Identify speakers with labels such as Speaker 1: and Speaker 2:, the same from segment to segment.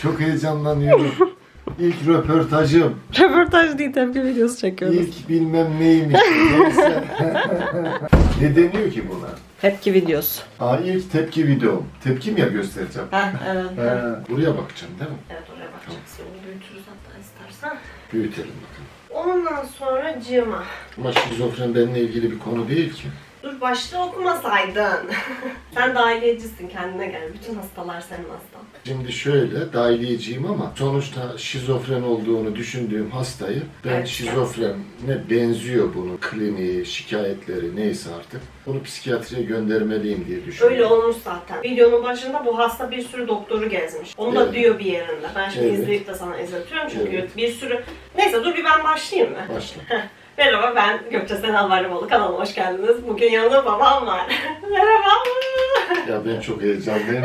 Speaker 1: Çok heyecanlanıyorum. İlk röportajım.
Speaker 2: Röportaj değil, tepki videosu çekiyoruz.
Speaker 1: İlk bilmem neymiş. Neyse. Ne deniyor ki buna?
Speaker 2: Tepki videosu.
Speaker 1: İlk tepki videom. Tepki mi ya göstereceğim?
Speaker 2: Evet.
Speaker 1: Buraya bakacağım değil mi?
Speaker 2: Evet, oraya bakacaksın. Onu büyütürüz hatta istersen.
Speaker 1: Büyütelim bakalım.
Speaker 2: Ondan sonra cıma.
Speaker 1: Ama şizofren benimle ilgili bir konu değil ki.
Speaker 2: Dur, başta okumasaydın. Sen dahiliyecisin, kendine gel. Bütün hastalar senin hastan.
Speaker 1: Şimdi şöyle, dahiliyeciyim ama sonuçta şizofren olduğunu düşündüğüm hastayı ben
Speaker 2: Evet.
Speaker 1: şizofrene benziyor bunun kliniği, şikayetleri neyse artık. Bunu psikiyatriye göndermeliyim diye düşünüyorum.
Speaker 2: Öyle olmuş zaten. Videonun başında bu hasta bir sürü doktoru gezmiş. Onu da
Speaker 1: Evet.
Speaker 2: diyor bir yerinde. Ben şimdi
Speaker 1: Evet.
Speaker 2: izleyip de sana izletiyorum çünkü
Speaker 1: Evet.
Speaker 2: bir sürü... Neyse dur bir ben başlayayım mı?
Speaker 1: Başla.
Speaker 2: Merhaba, ben Gökçe Senal Varlımoğlu. Kanalıma hoş geldiniz. Bugün yanımda babam var. Merhaba.
Speaker 1: Ya ben çok heyecanlıyım.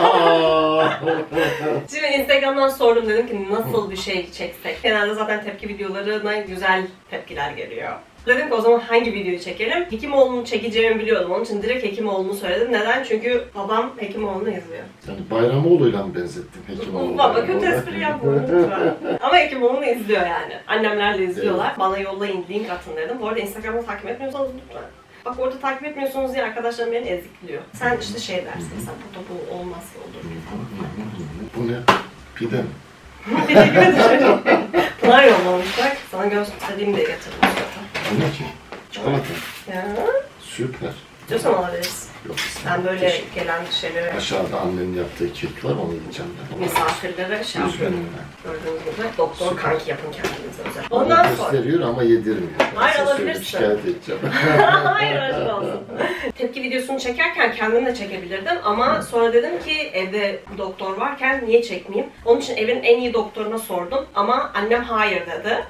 Speaker 2: Şimdi Instagram'dan sordum, dedim ki nasıl bir şey çeksek. Genelde zaten tepki videolarına güzel tepkiler geliyor. Dedim ki o zaman hangi videoyu çekelim? Hekimoğlu'nu çekeceğimi biliyordum. Onun için direkt Hekimoğlu'nu söyledim. Neden? Çünkü babam Hekimoğlu'nu izliyor.
Speaker 1: Yani Bayramoğlu'yla mı benzettin Hekimoğlu'na?
Speaker 2: Baba kötü espri yapma lütfen. Ama Hekimoğlu'nu izliyor yani. Annemlerle izliyorlar.
Speaker 1: Evet.
Speaker 2: Bana yollayın, link atın dedim. Bu arada Instagram'da takip etmiyorsanız lütfen. Bak orada takip etmiyorsunuz diye arkadaşlarım beni ezikliyor. Sen işte şey dersin, sen burada bu olmazsa olur falan.
Speaker 1: Bu ne? Pide mi?
Speaker 2: Teşekkür ederim. Pınar yollamış bak. Sana göstereyim diye getirdim zaten.
Speaker 1: Bu ne ki? Çikolata.
Speaker 2: Ya,
Speaker 1: Süper.
Speaker 2: istiyorsan alabiliriz.
Speaker 1: Yok
Speaker 2: Ben böyle gelen şeyleri
Speaker 1: Aşağıda annenin yaptığı kek var, onu yiyeceğim ben.
Speaker 2: misafirlere şey yapıyorum.
Speaker 1: Üzgünüm ben.
Speaker 2: Gördüğünüz gibi doktor kanki yapın kendinize özel.
Speaker 1: Bana
Speaker 2: Ondan sonra...
Speaker 1: gösteriyor ama yedirmiyor. Ben
Speaker 2: Hayır,
Speaker 1: size söyleyeyim,
Speaker 2: alabilirsin.
Speaker 1: şikayet edeceğim.
Speaker 2: Hayır, aşk olsun. Tepki videosunu çekerken kendim de çekebilirdim ama sonra dedim ki evde doktor varken niye çekmeyeyim? Onun için evin en iyi doktoruna sordum ama annem hayır dedi.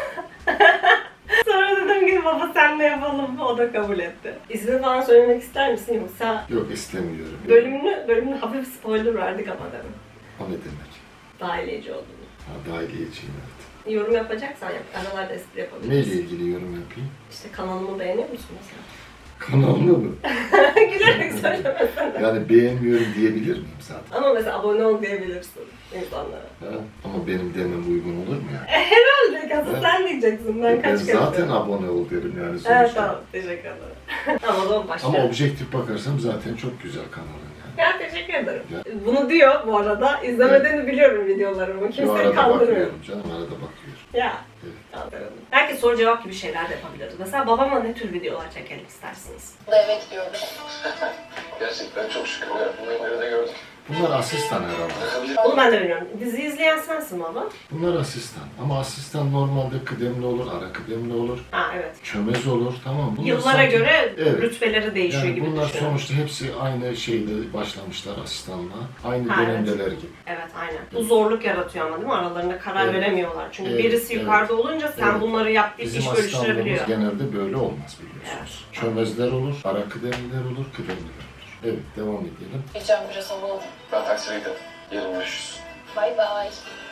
Speaker 2: Sonra dedim ki baba senle yapalım. O da kabul etti. İsmini falan söylemek ister misin yoksa?
Speaker 1: Yok istemiyorum.
Speaker 2: Bölümünü hafif spoiler verdik ama dedim.
Speaker 1: O ne demek?
Speaker 2: Dahiliyeci olduğunu.
Speaker 1: Dahiliyeciyim evet.
Speaker 2: Yorum yapacaksan yap. Aralarda espri
Speaker 1: Neyle
Speaker 2: yapabilirsin.
Speaker 1: ilgili yorum yapayım?
Speaker 2: İşte kanalımı beğeniyor musun mesela?
Speaker 1: Kanalını mı?
Speaker 2: Gülerek söylemesene.
Speaker 1: Yani beğenmiyorum diyebilir miyim zaten?
Speaker 2: Ama mesela abone ol diyebilirsin insanlara.
Speaker 1: Ha? Ama benim demem uygun olur mu yani?
Speaker 2: Herhalde asıl
Speaker 1: Evet.
Speaker 2: sen diyeceksin. Ben
Speaker 1: Ben
Speaker 2: kaç kere
Speaker 1: zaten
Speaker 2: söyledim.
Speaker 1: abone ol derim yani sonuçta.
Speaker 2: Evet tamam, teşekkür ederim. Tamam o zaman
Speaker 1: Ama
Speaker 2: başlayalım.
Speaker 1: objektif bakarsam zaten çok güzel kanalın yani.
Speaker 2: Ya teşekkür ederim.
Speaker 1: Ya.
Speaker 2: Bunu diyor bu arada. İzlemediğini biliyorum videolarımı.
Speaker 1: Yo,
Speaker 2: Kimseyi
Speaker 1: arada
Speaker 2: kandırmıyor.
Speaker 1: bakıyorum canım, arada bakıyorum.
Speaker 2: Ya.
Speaker 1: Evet.
Speaker 2: Kandıralım. Herkes soru cevap gibi şeyler de yapabiliriz. Mesela babama ne tür videolar çekelim istersiniz?
Speaker 3: Evet diyorum.
Speaker 4: Gerçekten çok şükür. Bunları nerede gördük?
Speaker 1: Bunlar asistan herhalde.
Speaker 2: Onu ben de bilmiyorum. Dizi izleyen sensin baba.
Speaker 1: Bunlar asistan. Ama asistan normalde kıdemli olur, ara kıdemli olur,
Speaker 2: Ha evet.
Speaker 1: çömez olur, tamam mı? Bunlar
Speaker 2: Yıllara
Speaker 1: sanki-
Speaker 2: göre
Speaker 1: Evet.
Speaker 2: rütbeleri değişiyor
Speaker 1: Yani
Speaker 2: gibi
Speaker 1: bunlar
Speaker 2: düşünüyorum.
Speaker 1: sonuçta hepsi aynı şeyde başlamışlar asistanlığa. Aynı
Speaker 2: Ha,
Speaker 1: dönemdeler gibi.
Speaker 2: Evet aynen. Bu zorluk yaratıyor ama değil mi? Aralarında karar
Speaker 1: Evet.
Speaker 2: veremiyorlar. Çünkü
Speaker 1: Evet,
Speaker 2: birisi
Speaker 1: evet.
Speaker 2: yukarıda olunca sen
Speaker 1: Evet.
Speaker 2: bunları yap deyip
Speaker 1: Bizim
Speaker 2: iş
Speaker 1: asistanlığımız
Speaker 2: bölüştürebiliyor.
Speaker 1: genelde böyle olmaz biliyorsunuz. Çömezler olur, ara kıdemliler olur, kıdemliler olur. Evet, devam edelim.
Speaker 3: Gideceğim biraz hava alayım.
Speaker 4: Ben taksiye gidelim. Yarın görüşürüz.
Speaker 3: Bay bay.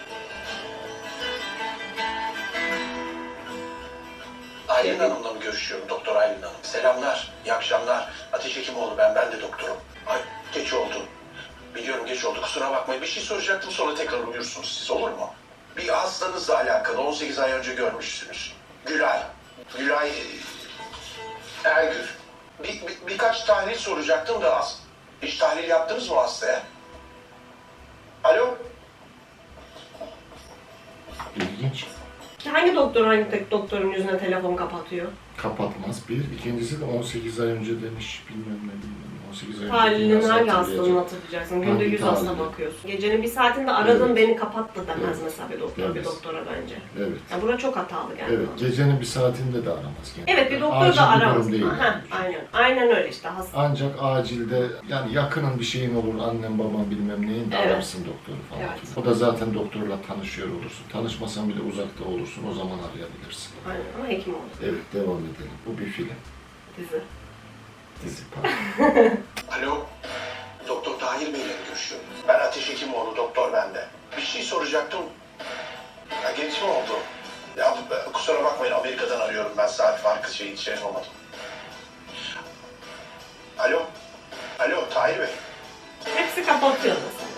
Speaker 4: Aylin Hanım'la mı görüşüyorum? Doktor Aylin Hanım. Selamlar, iyi akşamlar. Ateş Hekimoğlu ben de doktorum. Ay geç oldu. Biliyorum geç oldu, kusura bakmayın. Bir şey soracaktım, sonra tekrar uyursunuz siz, olur mu? Bir hastanızla alakalı 18 ay önce görmüşsünüz. Gülay. Gülay Ergür. Birkaç tahlil soracaktım da az. Hiç tahlil yaptınız mı hastaya? Alo?
Speaker 1: İlginç.
Speaker 2: Hangi doktor hangi tek doktorun yüzüne telefon kapatıyor?
Speaker 1: Kapatmaz bir. İkincisi de 18 ay önce demiş, bilmem ne. 18 ay önce.
Speaker 2: Halinin
Speaker 1: nasıl
Speaker 2: hangi
Speaker 1: hatırlayacak?
Speaker 2: hastalığını hatırlayacaksın? Günde
Speaker 1: Hangi
Speaker 2: 100 hasta
Speaker 1: tahlili?
Speaker 2: bakıyorsun. Gecenin bir saatinde aradın
Speaker 1: Evet.
Speaker 2: beni kapattı demez
Speaker 1: Evet.
Speaker 2: mesela bir doktor bir
Speaker 1: Evet.
Speaker 2: doktora bence.
Speaker 1: Evet.
Speaker 2: Ya bura çok hatalı geldi
Speaker 1: Evet,
Speaker 2: bana.
Speaker 1: gecenin bir saatinde de aramaz. Yani.
Speaker 2: Evet bir doktor
Speaker 1: Acil
Speaker 2: da
Speaker 1: bir
Speaker 2: aramaz.
Speaker 1: durum değil.
Speaker 2: Aha,
Speaker 1: yani.
Speaker 2: aynen. Aynen öyle işte hasta.
Speaker 1: Ancak acilde yani yakının bir şeyin olur, annem babam bilmem neyin de
Speaker 2: Evet.
Speaker 1: ararsın doktoru falan.
Speaker 2: Evet.
Speaker 1: O da zaten doktorla tanışıyor olursun. Tanışmasan bile uzakta olursun, o zaman arayabilirsin.
Speaker 2: Aynen ama hekim oldu.
Speaker 1: Evet, devam edelim. Bu bir film.
Speaker 2: Dizi.
Speaker 1: Dizi pardon.
Speaker 4: Alo? Doktor Tahir Bey'le mi görüşüyorum? Ben Ateş Hekimoğlu, doktor bende. Bir şey soracaktım. Ya gelişme oldu. Ya kusura bakmayın, Amerika'dan arıyorum ben, saat farkı şey yapamadım. Alo? Alo Tahir Bey?
Speaker 2: Hepsi kapatıyor mesela.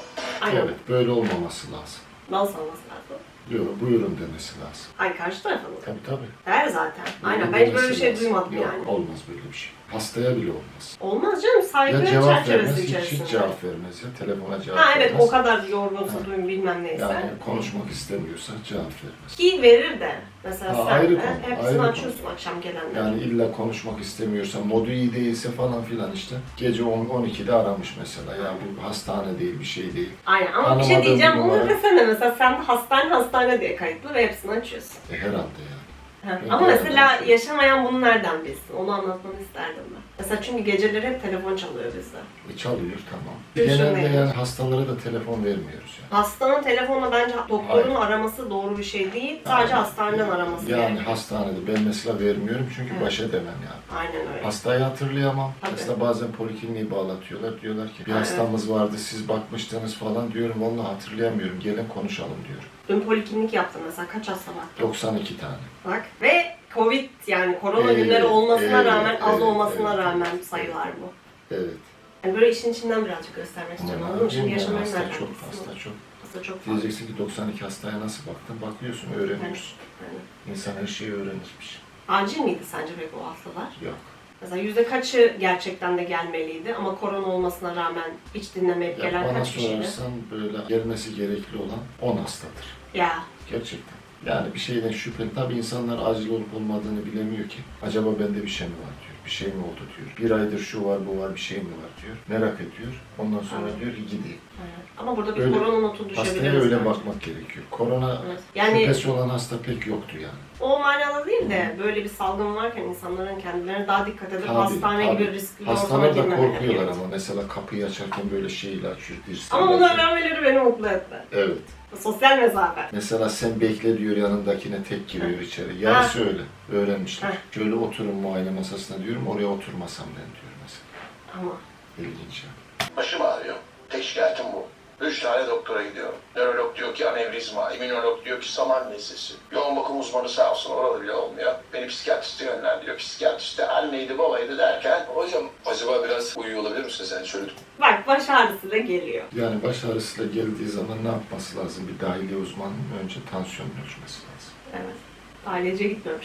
Speaker 2: Aynen.
Speaker 1: Evet, böyle olmaması lazım.
Speaker 2: Nasıl olması lazım?
Speaker 1: Yok, buyurun demesi lazım.
Speaker 2: Ay karşı tarafa mı?
Speaker 1: Tabii.
Speaker 2: Der zaten. Aynen. Ben
Speaker 1: Buyurun
Speaker 2: hiç böyle bir
Speaker 1: demesi
Speaker 2: şey
Speaker 1: lazım.
Speaker 2: duymadım
Speaker 1: Yok,
Speaker 2: yani.
Speaker 1: olmaz böyle bir şey. Hastaya bile olmaz.
Speaker 2: Olmaz canım. Saygı
Speaker 1: Ya cevap vermez,
Speaker 2: çerçevesi
Speaker 1: hiç
Speaker 2: içerisinde.
Speaker 1: cevap vermez ya. Telefona cevap
Speaker 2: Ha
Speaker 1: vermez.
Speaker 2: evet, o kadar yorgunsa duyun bilmem neyse.
Speaker 1: Yani konuşmak istemiyorsa cevap vermez.
Speaker 2: Ki verir de. Mesela
Speaker 1: Ha,
Speaker 2: sen
Speaker 1: ayrı
Speaker 2: de
Speaker 1: konu,
Speaker 2: hepsini
Speaker 1: ayrı konu.
Speaker 2: açıyorsun akşam gelenleri.
Speaker 1: Yani illa konuşmak istemiyorsa, modu iyi değilse falan filan işte. Gece 10-12'de aramış mesela. Ya bu hastane değil, bir şey değil.
Speaker 2: Aynen ama bir şey
Speaker 1: Anlamadığım
Speaker 2: diyeceğim.
Speaker 1: bir
Speaker 2: Onu
Speaker 1: numara.
Speaker 2: desene mesela sen de hastane diye kayıtlı ve hepsini açıyorsun.
Speaker 1: Herhalde yani.
Speaker 2: Ha,
Speaker 1: Ben
Speaker 2: ama
Speaker 1: de
Speaker 2: mesela
Speaker 1: anladım.
Speaker 2: yaşamayan bunu nereden bilsin? Onu anlatmanı isterdim ben. Mesela çünkü geceleri hep telefon çalıyor bizde.
Speaker 1: Çalıyor tamam.
Speaker 2: Düşünmeyin.
Speaker 1: Genelde yani hastalara da telefon vermiyoruz yani.
Speaker 2: Hastanın telefonla bence doktorun araması doğru bir şey değil. Sadece hastaneden araması
Speaker 1: Yani
Speaker 2: gerekiyor.
Speaker 1: hastanede ben mesela vermiyorum çünkü
Speaker 2: Evet.
Speaker 1: baş edemem yani.
Speaker 2: Aynen öyle.
Speaker 1: Hastayı hatırlayamam.
Speaker 2: Tabii.
Speaker 1: Mesela bazen polikliniği bağlatıyorlar. Diyorlar ki bir
Speaker 2: Evet.
Speaker 1: hastamız vardı siz bakmıştınız falan diyorum. Vallahi hatırlayamıyorum. Gelin konuşalım diyorum.
Speaker 2: Dün poliklinik yaptım mesela. Kaç hasta var?
Speaker 1: 92 tane.
Speaker 2: Bak. Ve Covid yani korona
Speaker 1: Evet,
Speaker 2: günleri olmasına
Speaker 1: evet,
Speaker 2: rağmen az
Speaker 1: evet,
Speaker 2: olmasına
Speaker 1: evet.
Speaker 2: rağmen sayılar bu.
Speaker 1: Evet.
Speaker 2: Yani böyle işin içinden birazcık göstermek istiyorum.
Speaker 1: Ama
Speaker 2: Anladın mı? Şimdi
Speaker 1: yani
Speaker 2: yaşamayı
Speaker 1: hasta
Speaker 2: nereden
Speaker 1: çok,
Speaker 2: bilsin?
Speaker 1: hasta çok.
Speaker 2: Hasta çok fazla.
Speaker 1: Diyeceksin ki 92 hastaya nasıl baktın? Bakıyorsun, öğreniyorsun.
Speaker 2: Yani.
Speaker 1: İnsan her şeyi öğrenirmiş.
Speaker 2: Acil miydi sence peki o hastalar?
Speaker 1: Yok.
Speaker 2: Mesela yüzde kaçı gerçekten de gelmeliydi ama korona olmasına rağmen hiç dinlemeyip
Speaker 1: Ya
Speaker 2: gelen
Speaker 1: bana
Speaker 2: kaç kişiydi?
Speaker 1: sorarsan böyle gelmesi gerekli olan 10 hastadır.
Speaker 2: Ya
Speaker 1: Gerçekten. Yani bir şeyden şüpheli. Tabii insanlar acil olup olmadığını bilemiyor ki. Acaba bende bir şey mi var diyor. Bir şey mi oldu diyor. Bir aydır şu var bu var bir şey mi var diyor. Merak ediyor. Ondan sonra
Speaker 2: Evet.
Speaker 1: diyor ki gideyim.
Speaker 2: evet. Ama burada bir
Speaker 1: Öyle-
Speaker 2: korona notu düşebiliriz.
Speaker 1: Hastaya öyle
Speaker 2: bence.
Speaker 1: bakmak gerekiyor. Korona
Speaker 2: Evet. Yani
Speaker 1: şüphesi olan hasta pek yoktu yani.
Speaker 2: o manada değil de böyle bir salgın varken insanların kendilerine daha dikkat edip
Speaker 1: Tabii,
Speaker 2: hastane
Speaker 1: tabii.
Speaker 2: gibi riskli bir ortama
Speaker 1: Hastalar da
Speaker 2: girmemeleri
Speaker 1: korkuyorlar
Speaker 2: gerekiyor.
Speaker 1: ama mesela kapıyı açarken böyle şeyle açıyor. dirseğiyle
Speaker 2: Ama bunu
Speaker 1: açıyor.
Speaker 2: öğrenmeleri beni mutlu etti.
Speaker 1: Evet.
Speaker 2: Sosyal mesafe.
Speaker 1: Mesela sen bekle diyor yanındakine tek giriyor içeri. Yarısı öyle. Öğrenmişler.
Speaker 2: Heh.
Speaker 1: Şöyle oturun muayene masasına diyorum. Oraya oturmasam ben diyor mesela.
Speaker 2: Ama
Speaker 1: İlginç ya.
Speaker 4: Başım ağrıyor. Tek şikayetim bu. 3 tane doktora gidiyorum. Nörolog diyor ki anevrizma, immünolog diyor ki saman nesesi. Yoğun bakım uzmanı sağ olsun orada bile olmuyor. Beni psikiyatriste yönlendiriyor. Psikiyatriste anneydi babaydı derken
Speaker 3: Hocam acaba biraz uyuyor olabilir misiniz? Yani şöyle
Speaker 2: bak baş ağrısıyla geliyor.
Speaker 1: Yani baş ağrısıyla geldiği zaman ne yapması lazım? Bir dahiliye uzmanının önce tansiyonunu ölçmesi lazım.
Speaker 2: Evet. Ailece gitmiyormuş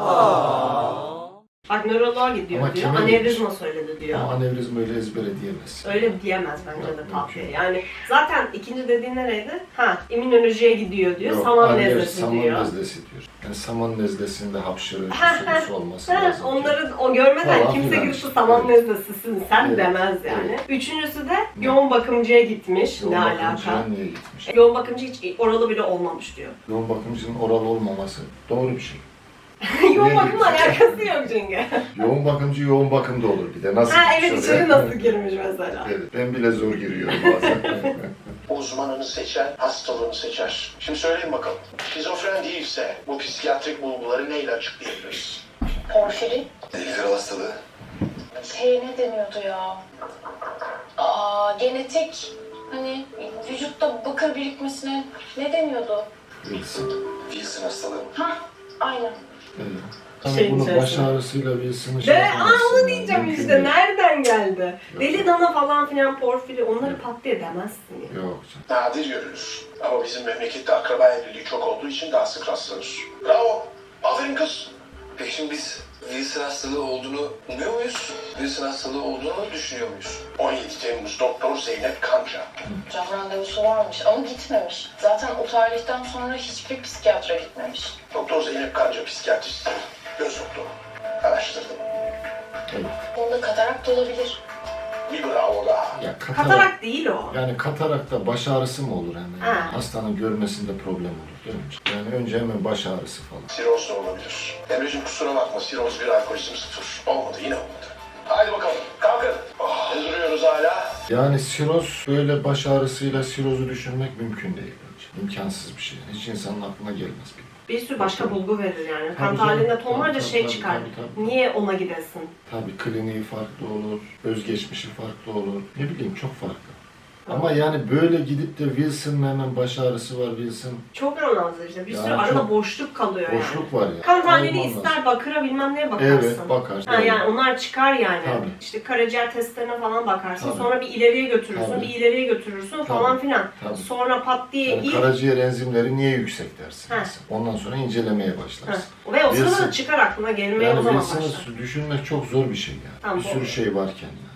Speaker 2: ama. Bak nöroloğa gidiyor
Speaker 1: Ama
Speaker 2: diyor.
Speaker 1: kime
Speaker 2: Anevrizma söyledi diyor.
Speaker 1: Ama anevrizma öyle ezbere diyemezsin.
Speaker 2: Öyle diyemez bence
Speaker 1: Yok,
Speaker 2: de
Speaker 1: mümkün
Speaker 2: Tafiye.
Speaker 1: değil.
Speaker 2: Yani zaten ikinci dediğin nereydi? Ha, immünolojiye gidiyor diyor.
Speaker 1: Yok,
Speaker 2: Saman
Speaker 1: hayır,
Speaker 2: nezlesi
Speaker 1: saman
Speaker 2: diyor.
Speaker 1: nezlesi diyor. Yani saman nezlesinde hapşırıcı su olması
Speaker 2: Ha,
Speaker 1: lazım.
Speaker 2: onları o görmeden
Speaker 1: Falan
Speaker 2: kimse
Speaker 1: filan
Speaker 2: gidip
Speaker 1: işte.
Speaker 2: saman
Speaker 1: Evet.
Speaker 2: nezlesisin sen
Speaker 1: Evet.
Speaker 2: demez yani.
Speaker 1: Evet.
Speaker 2: Üçüncüsü de yoğun bakımcıya gitmiş.
Speaker 1: Yoğun
Speaker 2: ne
Speaker 1: bakımcıya
Speaker 2: alaka?
Speaker 1: niye gitmiş?
Speaker 2: Yoğun bakımcı hiç oralı bile olmamış diyor.
Speaker 1: Yoğun bakımcının oral olmaması doğru bir şey.
Speaker 2: Yoğun
Speaker 1: Niye
Speaker 2: bakımla
Speaker 1: gitmiş?
Speaker 2: alakası yok çünkü.
Speaker 1: Yoğun bakımcı yoğun bakımda olur bir de. Nasıl
Speaker 2: Ha
Speaker 1: gitmiş
Speaker 2: evet
Speaker 1: oraya?
Speaker 2: içeri nasıl girmiş mesela.
Speaker 1: Evet, ben bile zor giriyorum bazen.
Speaker 4: uzmanını seçer, hastalığını seçer. Şimdi söyleyin bakalım. Şizofren değilse bu psikiyatrik bulguları neyle açıklayabiliriz?
Speaker 5: Porfiri.
Speaker 3: ilgili hastalığı.
Speaker 5: Ne deniyordu ya? Genetik. Hani vücutta bakır birikmesine ne deniyordu?
Speaker 3: Wilson hastalığı.
Speaker 5: Ha, aynen.
Speaker 1: Evet. Hani
Speaker 2: Şeyin
Speaker 1: bunu baş
Speaker 2: içerisinde.
Speaker 1: ağrısıyla Wilson'ı
Speaker 2: De,
Speaker 1: yapamazsın
Speaker 2: onu
Speaker 1: yani,
Speaker 2: diyeceğim
Speaker 1: mümkün
Speaker 2: işte.
Speaker 1: değil.
Speaker 2: Nereden geldi?
Speaker 1: Yok.
Speaker 2: Deli dana falan filan porfiri onları pat diye demezsin ya.
Speaker 1: Yok canım.
Speaker 4: Nadir görülür. Ama bizim memlekette akraba evliliği çok olduğu için daha sık rastlanır. Bravo. Aferin kız.
Speaker 3: Peki şimdi biz Wilson hastalığı olduğunu umuyor muyuz? Wilson hastalığı olduğunu düşünüyor muyuz?
Speaker 4: 17 Temmuz Doktor Zeynep Kanca.
Speaker 5: Can randevusu varmış ama gitmemiş. Zaten o tarihten sonra hiçbir psikiyatra gitmemiş.
Speaker 4: Doktor Zeynep Kanca psikiyatrist. Göz doktoru. Araştırdım.
Speaker 1: Evet.
Speaker 5: Onda katarakt olabilir.
Speaker 4: Bir bravo daha.
Speaker 1: Ya
Speaker 2: Katarak değil o.
Speaker 1: Yani katarakta baş ağrısı mı olur hemen? Yani?
Speaker 2: Ha.
Speaker 1: Hastanın görmesinde problem olur değil mi? Yani önce hemen baş ağrısı falan.
Speaker 4: Siroz da olabilir. Emre'cim kusura bakma siroz 1 alkolizm 0. Olmadı yine olmadı. Haydi bakalım kalkın. Ne duruyoruz hala?
Speaker 1: Yani siroz böyle baş ağrısıyla sirozu düşünmek mümkün değil bence. İmkansız bir şey. Hiç insanın aklına gelmez bir.
Speaker 2: Bir sürü başka bulgu verir yani. Kan
Speaker 1: Tabii
Speaker 2: tahlilinde
Speaker 1: canım.
Speaker 2: tonlarca
Speaker 1: Tabii,
Speaker 2: şey
Speaker 1: tabii,
Speaker 2: çıkar.
Speaker 1: tabii.
Speaker 2: Niye ona gidesin?
Speaker 1: Tabii kliniği farklı olur, özgeçmişi farklı olur. Ne bileyim çok farklı. Ama yani böyle gidip de Wilson hemen baş ağrısı var Wilson.
Speaker 2: Çok anlamsız işte. Bir sürü
Speaker 1: Yani
Speaker 2: arada
Speaker 1: çok
Speaker 2: boşluk kalıyor yani.
Speaker 1: Boşluk var ya.
Speaker 2: Kan tahlili
Speaker 1: Aynen
Speaker 2: ister bakıra bilmem neye bakarsın.
Speaker 1: Evet bakarsın.
Speaker 2: Ha, yani onlar çıkar yani.
Speaker 1: Tabii.
Speaker 2: İşte karaciğer testlerine falan bakarsın.
Speaker 1: Tabii.
Speaker 2: Sonra bir ileriye götürürsün,
Speaker 1: Tabii.
Speaker 2: bir ileriye götürürsün falan filan.
Speaker 1: Tabii.
Speaker 2: Sonra pat diye
Speaker 1: Yani karaciğer enzimleri niye yüksek dersin
Speaker 2: Ha.
Speaker 1: mesela. Ondan sonra incelemeye başlarsın.
Speaker 2: Ve o sırada
Speaker 1: Wilson-
Speaker 2: da çıkar aklına gelmeye
Speaker 1: Yani
Speaker 2: o zaman
Speaker 1: Wilson'ı
Speaker 2: başlar.
Speaker 1: düşünmek çok zor bir şey yani.
Speaker 2: Tamam,
Speaker 1: bir sürü
Speaker 2: doğru.
Speaker 1: şey varken yani.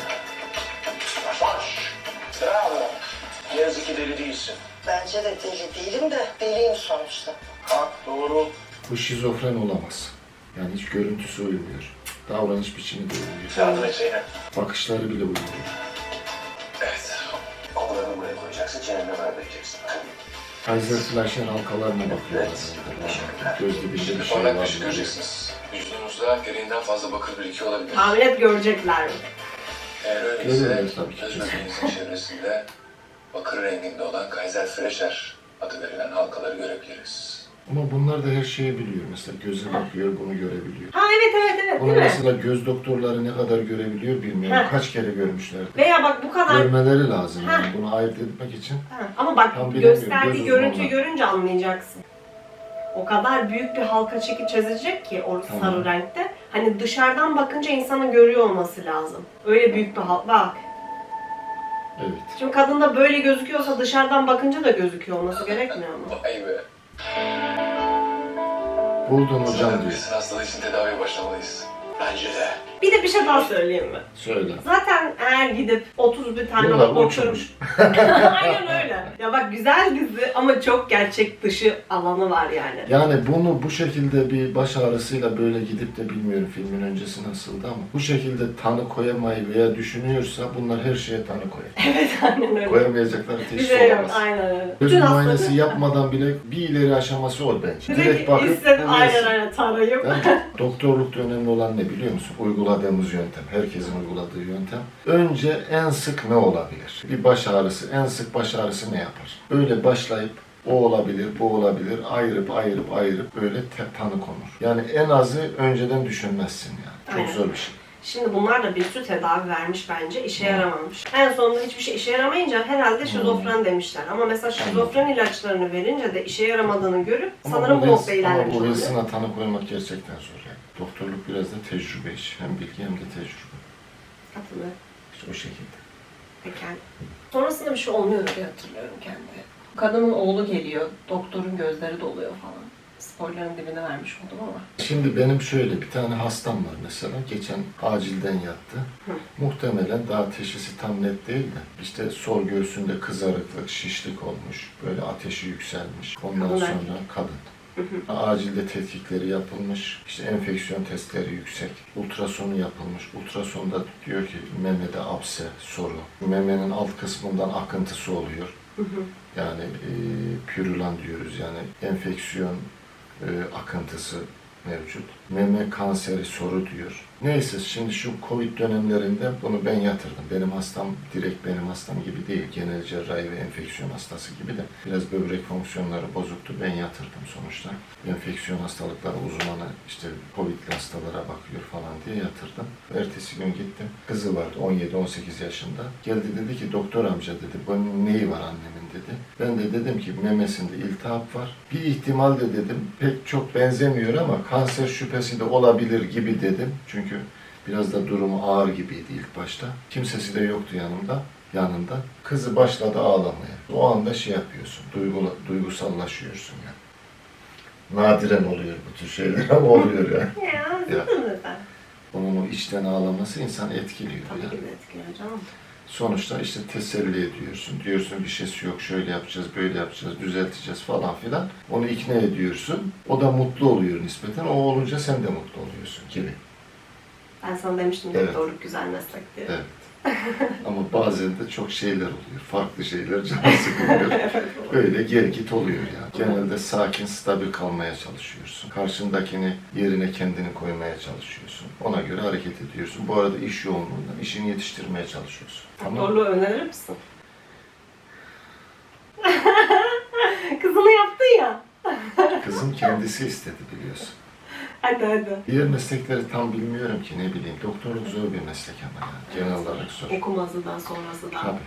Speaker 4: Baş. Bravo. Ne yazık ki deli değilsin.
Speaker 6: Bence de deli değilim de deliyim sonuçta.
Speaker 4: Ha doğru.
Speaker 1: Bu şizofren olamaz. Yani hiç görüntüsü uymuyor. Davranış biçimi de uymuyor.
Speaker 4: Yardım et Zeynep.
Speaker 1: Bakışları bile uymuyor.
Speaker 4: Evet. Kollarını buraya koyacaksın, çeneni vermeyeceksin.
Speaker 1: Kaiser Fleischer halkalarına bakıyorlar. Göz dibinde bir
Speaker 3: Şimdi
Speaker 1: şey
Speaker 3: parlak bir
Speaker 1: var.
Speaker 3: şey göreceksiniz. Vücudunuzda gereğinden fazla bakır birikiyor olabilir.
Speaker 2: Tahmin et görecekler mi?
Speaker 3: Eğer öyleyse
Speaker 1: Görüyorlar tabii ki.
Speaker 3: göz bebeğinizin çevresinde bakır renginde olan Kaiser Fleischer adı verilen halkaları görebiliriz.
Speaker 1: Ama bunlar da her şeyi biliyor. Mesela göze bakıyor, bunu görebiliyor.
Speaker 2: Ha evet
Speaker 1: Bunu
Speaker 2: değil mi?
Speaker 1: mesela göz doktorları ne kadar görebiliyor bilmiyorum.
Speaker 2: Heh.
Speaker 1: Kaç kere görmüşlerdi.
Speaker 2: Veya bak bu kadar...
Speaker 1: Görmeleri lazım
Speaker 2: Heh.
Speaker 1: yani bunu ayırt etmek için.
Speaker 2: Ha, ama bak
Speaker 1: Tam bilemiyorum,
Speaker 2: gösterdiği
Speaker 1: göz
Speaker 2: görüntüyü
Speaker 1: uzmanı.
Speaker 2: görünce anlayacaksın. O kadar büyük bir halka çekip çizecek ki o
Speaker 1: Tamam.
Speaker 2: sarı renkte. Hani dışarıdan bakınca insanın görüyor olması lazım. Öyle büyük bir halka. Bak.
Speaker 1: Evet.
Speaker 2: Şimdi kadında böyle gözüküyorsa dışarıdan bakınca da gözüküyor olması gerekmiyor mu?
Speaker 3: Vay be.
Speaker 1: Buldun hocam
Speaker 3: Sanırım
Speaker 1: diyor.
Speaker 3: Wilson hastalığı için tedaviye başlamalıyız.
Speaker 4: Bence de.
Speaker 2: Bir de bir şey daha söyleyeyim mi?
Speaker 1: Söyle.
Speaker 2: Zaten eğer gidip 31 tane
Speaker 1: Bunlar
Speaker 2: doktor
Speaker 1: uçmuş.
Speaker 2: Aynen öyle. Ya bak güzel dizi ama çok gerçek dışı alanı var yani.
Speaker 1: Yani bunu bu şekilde bir baş ağrısıyla böyle gidip de bilmiyorum filmin öncesi nasıldı ama bu şekilde tanı koyamayı veya düşünüyorsa bunlar her şeye tanı koyar.
Speaker 2: Evet aynen öyle.
Speaker 1: Koyamayacakları
Speaker 2: Bir
Speaker 1: teşhis
Speaker 2: şey yok
Speaker 1: olamaz.
Speaker 2: aynen öyle.
Speaker 1: Göz
Speaker 2: Bütün
Speaker 1: muayenesi
Speaker 2: hastalığı-
Speaker 1: yapmadan bile bir ileri aşaması o bence. Direkt bakıp
Speaker 2: hisset,
Speaker 1: bu
Speaker 2: aynen
Speaker 1: Wilson.
Speaker 2: aynen tarayıp.
Speaker 1: Değil mi? Doktorlukta önemli olan ne biliyor musun? Uyguladığımız yöntem, herkesin uyguladığı yöntem. Önce en sık ne olabilir? Bir baş ağrısı, en sık baş ağrısı ne yapar? Böyle başlayıp o olabilir, bu olabilir, ayırıp böyle tanı konur. Yani en azı önceden düşünmezsin yani. Çok
Speaker 2: Aynen.
Speaker 1: zor bir şey.
Speaker 2: Şimdi bunlar da bir sürü tedavi vermiş bence, işe yaramamış. En sonunda hiçbir şey işe yaramayınca herhalde şizofren demişler. Ama mesela şizofren ilaçlarını verince de işe yaramadığını görüp sanırım bu noktada ilerlemiş
Speaker 1: Ama bu
Speaker 2: oluyor.
Speaker 1: Wilson'a tanı koymak gerçekten zor yani. Doktorluk biraz da tecrübe işi. Hem bilgi hem de tecrübe.
Speaker 2: Katılıyorum.
Speaker 1: İşte o şekilde.
Speaker 2: Peki. Sonrasında bir şey olmuyor diye hatırlıyorum kendi. Kadının oğlu geliyor, doktorun gözleri doluyor falan. Spoiler'ın dibine vermiş oldum ama.
Speaker 1: Şimdi benim şöyle bir tane hastam var mesela. Geçen acilden yattı. Muhtemelen daha teşhisi tam net değil de işte sol göğsünde kızarıklık, şişlik olmuş. Böyle ateşi yükselmiş. Ondan
Speaker 2: Kadın
Speaker 1: sonra
Speaker 2: erkek.
Speaker 1: kadın. Acilde tetkikleri yapılmış. İşte enfeksiyon testleri yüksek. Ultrasonu yapılmış. Ultrasonda diyor ki memede apse, soru. Memenin alt kısmından akıntısı oluyor. Yani pürülan diyoruz yani enfeksiyon akıntısı mevcut. Meme kanseri soru diyor. Neyse şimdi şu Covid dönemlerinde bunu ben yatırdım. Benim hastam direkt benim hastam gibi değil. Genel cerrahi ve enfeksiyon hastası gibi de biraz böbrek fonksiyonları bozuktu. Ben yatırdım sonuçta. Enfeksiyon hastalıkları uzmanı işte Covid'li hastalara bakıyor falan diye yatırdım. Ertesi gün gittim. Kızı vardı 17-18 yaşında. Geldi dedi ki doktor amca dedi bunun neyi var annemin dedi. Ben de dedim ki memesinde iltihap var. Bir ihtimal de dedim pek çok benzemiyor ama kanser şüphesi de olabilir gibi dedim. Çünkü biraz da durumu ağır gibiydi ilk başta. Kimsesi de yoktu yanında. Kızı başladı ağlamaya. O anda şey yapıyorsun, duygusallaşıyorsun yani. Nadiren oluyor bu tür şeyler ama oluyor yani.
Speaker 2: Ya,
Speaker 1: Ya.
Speaker 2: zaten.
Speaker 1: Onun o içten ağlaması insanı etkiliyor.
Speaker 2: Tabii
Speaker 1: yani.
Speaker 2: ki de etkiliyor canım.
Speaker 1: Sonuçta işte teselli ediyorsun. Diyorsun bir şeysi yok, şöyle yapacağız, böyle yapacağız, düzelteceğiz falan filan. Onu ikna ediyorsun. O da mutlu oluyor nispeten. O olunca sen de mutlu oluyorsun gibi.
Speaker 2: Ben sana demiştim
Speaker 1: Evet.
Speaker 2: doktorluk güzel meslek diye.
Speaker 1: Evet. Ama bazen de çok şeyler oluyor. Farklı şeyler canı sıkılıyor. Böyle gel git oluyor yani. Genelde sakin, stabil kalmaya çalışıyorsun. Karşındakini yerine kendini koymaya çalışıyorsun. Ona göre hareket ediyorsun. Bu arada iş yoğunluğundan işini yetiştirmeye çalışıyorsun. Tamam mı?
Speaker 2: Doktorluğu önerir misin? Kızını yaptın ya.
Speaker 1: Kızım kendisi istedi biliyorsun.
Speaker 2: Hadi.
Speaker 1: Diğer meslekleri tam bilmiyorum ki ne bileyim. Doktorluk zor bir meslek ama yani. Genel olarak zor.
Speaker 2: Okuması da sonrası da.
Speaker 1: Tabii.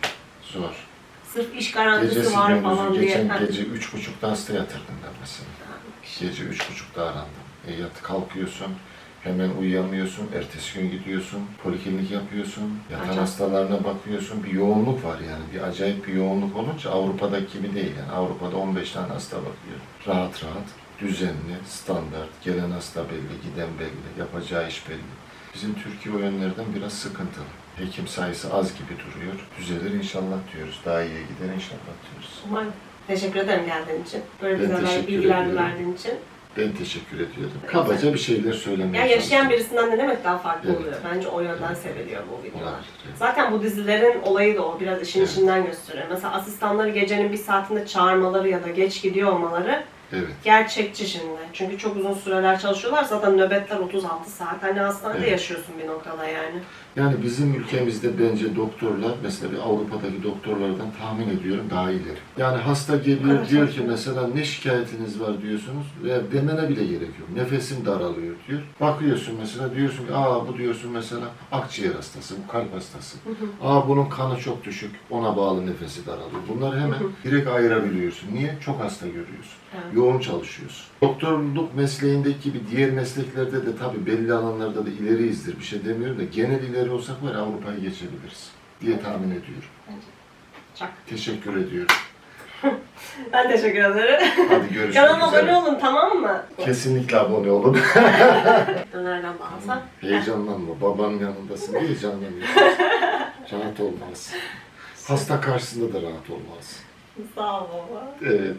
Speaker 1: Zor.
Speaker 2: Sırf iş garantisi
Speaker 1: Gecesi
Speaker 2: var falan
Speaker 1: gündüzü.
Speaker 2: diye.
Speaker 1: Geçen
Speaker 2: Ha.
Speaker 1: gece 3.30'da hasta yatırdım ben mesela. Gece 3.30'da arandım. Kalkıyorsun, hemen uyuyamıyorsun, ertesi gün gidiyorsun, poliklinik yapıyorsun, yatan
Speaker 2: Acayip.
Speaker 1: hastalarına bakıyorsun. Bir yoğunluk var yani, bir acayip bir yoğunluk olunca Avrupa'daki gibi değil yani. Avrupa'da 15 tane hasta bakıyor. Rahat rahat, düzenli, standart, gelen hasta belli, giden belli, yapacağı iş belli. Bizim Türkiye o yönlerden biraz sıkıntılı. Hekim sayısı az gibi duruyor. Düzelir inşallah diyoruz. Daha iyiye gider inşallah diyoruz.
Speaker 2: Umarım. Teşekkür ederim geldiğin için. Böyle
Speaker 1: Ben
Speaker 2: bize
Speaker 1: teşekkür
Speaker 2: bilgiler
Speaker 1: ediyorum.
Speaker 2: verdiğin için.
Speaker 1: Ben teşekkür ediyorum. Kabaca bir şeyler söylemeye
Speaker 2: Ya yaşayan
Speaker 1: çalıştım.
Speaker 2: birisinden de demek daha farklı
Speaker 1: Evet.
Speaker 2: oluyor. Bence o yönden
Speaker 1: Evet.
Speaker 2: seviliyor bu videolar.
Speaker 1: Olabilir, evet.
Speaker 2: Zaten bu dizilerin olayı da o. Biraz işin
Speaker 1: Evet.
Speaker 2: içinden gösteriyor. Mesela asistanları gecenin bir saatinde çağırmaları ya da geç gidiyor olmaları
Speaker 1: Evet.
Speaker 2: gerçekçi şimdi. Çünkü çok uzun süreler çalışıyorlar. Zaten nöbetler 36 saat. Hani hastanede
Speaker 1: Evet.
Speaker 2: yaşıyorsun bir noktada yani.
Speaker 1: Yani bizim ülkemizde bence doktorlar, mesela bir Avrupa'daki doktorlardan tahmin ediyorum daha ileri. Yani hasta geliyor
Speaker 2: Evet,
Speaker 1: diyor
Speaker 2: evet.
Speaker 1: ki mesela ne şikayetiniz var diyorsunuz ve demene bile gerek yok. Nefesim daralıyor diyor. Bakıyorsun mesela diyorsun ki bu diyorsun mesela akciğer hastası, bu kalp hastası. Bunun kanı çok düşük, ona bağlı nefesi daralıyor. Bunları hemen direkt ayırabiliyorsun. Niye? Çok hasta görüyorsun.
Speaker 2: Evet.
Speaker 1: Yoğun çalışıyorsun. Doktorluk mesleğindeki gibi diğer mesleklerde de tabii belli alanlarda da ileriyizdir. Bir şey demiyorum da genel ileri olsak var ya Avrupa'yı geçebiliriz diye tahmin ediyorum.
Speaker 2: Çok.
Speaker 1: Teşekkür ediyorum.
Speaker 2: Ben teşekkür ederim.
Speaker 1: Hadi görüşmek
Speaker 2: Kanalıma abone
Speaker 1: üzere.
Speaker 2: olun, tamam mı?
Speaker 1: Kesinlikle abone olun.
Speaker 2: Nereden bağlasan?
Speaker 1: Heyecanlanma. Babanın yanındasın. Heyecanlanıyorsun. Rahat olmalısın. Hasta karşısında da rahat olmalısın.
Speaker 2: Sağ ol baba.
Speaker 1: Evet.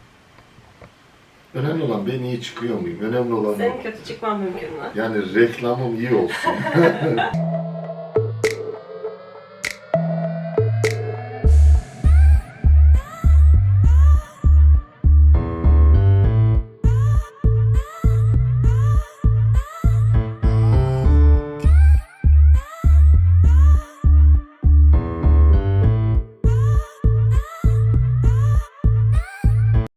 Speaker 1: Önemli olan ben iyi çıkıyor muyum? Önemli olan
Speaker 2: Senin
Speaker 1: o.
Speaker 2: kötü çıkman mümkün mü?
Speaker 1: Yani reklamım iyi olsun.